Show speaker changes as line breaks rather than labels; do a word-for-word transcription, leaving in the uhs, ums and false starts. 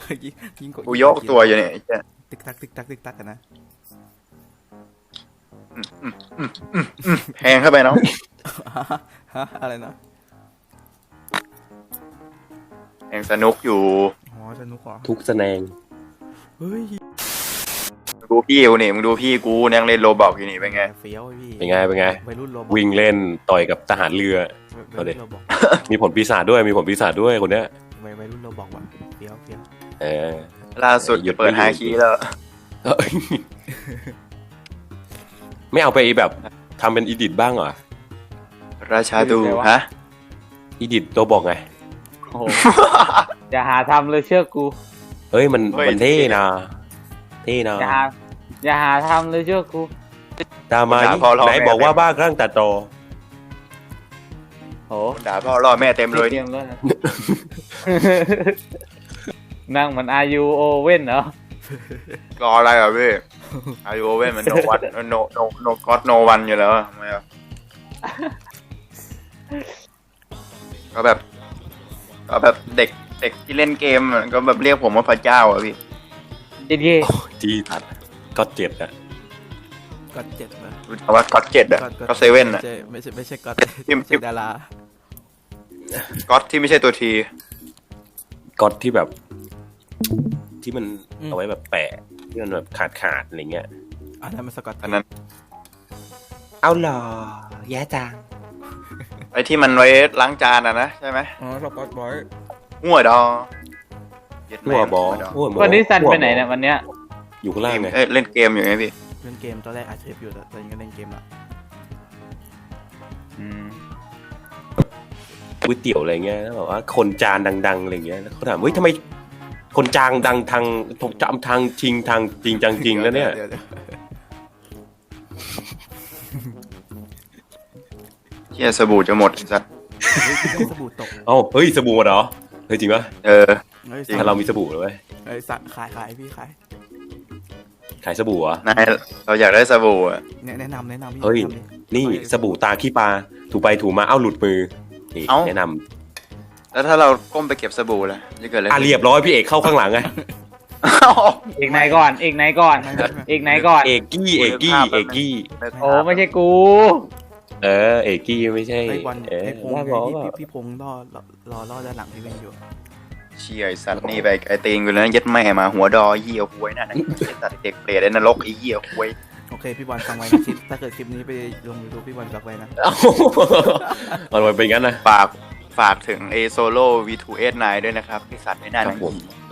ยิงยิงกด
กูยกตัวอยู่เนี่ยไอ้เหี้ย
ติ๊กตักติ๊กตักติ๊กตักกันนะ
แพงเข้าไปเนาะ
ฮะอะไรนะ
แพงสนุกอยู่
อ๋อสนุกเหรอ
ทุกแสดง
เฮ้ย
ดูพี่กูนี่มึงดูพี่กูยังเล่นโรบอกอยู่นี่เป็นไง
เฟี้ยวไอ้พี่
เป็นไงเป็นไง
วัยรุ่นโรบอก
วิ่งเล่นต่อยกับทหารเรือ
วัยรุ่นโรบอก
มีผลปีศาจด้วยมีผลปีศาจด้วยคนเนี้ย
วัยวัยรุ่นโรบอกว่ะเฟี้ยวเฟี้ยว
เออ
ล่าสุด
หยุด
เปิด
ไม่
ฮา
อยู่
คีแล้ว
เอ้ยไม่เอาไปแบบทำเป็นอีดิทบ้างเหรอ
ราชาดูฮะ
อีดิทตัวบอกไง
โอ้โห อย่าหาทำเลยเชื่อกู
เฮ้ยมันมันเท่นะเท่นะ
อย่าหาอย่าหาทำเลยเชื่อกู
ตามมานี่ไหนบอกว่าบ้าคลั่งตัดต่อ
โห
ด่าพ่อล่อแม่เต็มเลย
เตรี
เนี่ย
ยมเลย นั่งเหมือนอายุโอเว่นเหรอ
รออะไรอ่ะพี่อายุเว้นมันโนวันโนโนโนก็อดโนวันอยู่แล้วทำไมอ่ะก็แบบก็แบบเด็กเด็กที่เล่นเกมอะก็แบบเรียกผมว่าพระเจ้าอ่ะพี่
เจ๊
จีตัดก็เจ็ดอะ
ก็เจ็ดนะ
รู้จักว่าก็อดเจ็ดอ่ะก็เซเว่นอ่ะ
ไม่ใช่ไม่ใช่ก็
พิมพ์
ไม่ใช่ดารา
ก็อดที่ไม่ใช่ตัวที
ก็ที่แบบ ที่มันเอาไว้แบบแปะที่มันแบบขาดขาดๆอะไรเงี้ย
อันนั้นมันสกอต
อันนั้น
เอาหรอแย่จัง
ไอ้ที่มันไว้ล้างจานอ่ะนะใช่ไหม
อ๋อสกอตบอย
หัวดอเย็ด
หั
แม่
วบอ
ด
หัวบอ
วันนี้ซันไปไหนเนี่ยวันเนี้ย
อยู่ข้างล่างไง
เอ้ยเล่นเกมอยู่ไงพี่
เล่นเกมตอนแรกอัดเทปอยู่แต่ตอนนี้ก็เล่นเกมละ
อืม
ก๋วยเตี๋ยวอะไรเงี้ยแล้วบอกว่าคนจานดังๆอะไรเงี้ยแล้วเขาถามเฮ้ยทำไมคนจางดังทางผมจำทางจริงทางจริงจังจริงแล้วเนี่ย
ดี๋วดี๋ว
เฮียสบู่จะหมดไอ้สัตว์
เฮ้ยพี่ต้องสบู่ตก
เอ้าเฮ้ยสบู่หมดเหรอเฮ้ยจริงปะ
เออ
เฮ้ย
ถ้าเรามีสบู่เลยเว้ย
เฮ้ยสั่งขายขายพี่ขาย
ขายสบู่เหรอ่ะ
นายเราอยากได้สบู่อ่ะ
แนะแนะนำแนะนำพี่
เฮ้ย
แนะนำดิ
นี่สบู่ตาขี้ปลาถูไปถูมาเอ้าหลุดมือนี่แนะน
แล้วถ้าเราก้มไปเก็บสบู่ล่ะจะเกิดอะไร
ำอ่ะเรียบร้อยพี่เอกเข้าข้างหลังไง
อ้าว
เอกไหนก่อนเอกไหนก่อน
ไม่ไม่ไม่
เอกไหนก่อน
เอกกี้เอกกี้เอกกี้
โอ้ไม่ใช่กู
เออเอกกี้ไม่ใช่
ไอ้บอล
เออ
ไอ้พง
ว่า
ษ์
บอก
พี่
ว่า
พี่พี่พงษ์รอรอรอรอด้านหลังพี่เวนอยู่
เชี่ยไอ้สัตว์นี่ไปไอ้ตีนกูแล้วนะยัดแม่มาหัวดอเหี้ยควยนั่นนะไอ้สัตว์เด็กเปรตไอ้นรกไอ้เหี้ยควย
โอเคพี่บอลฟังไว้นะคลิปถ้าเกิดคลิปนี้ไปลงยูทูบพี่บอลฟังไว้นะ
เอ้ามันไปเป็นงั้นนะ
ฝากฝากถึง A Solo วี ทู เอส ไนน์ ด้วยนะครับไอ้สัตว์ไม่น่า
ครั
นั
บ
ง
ผม
หี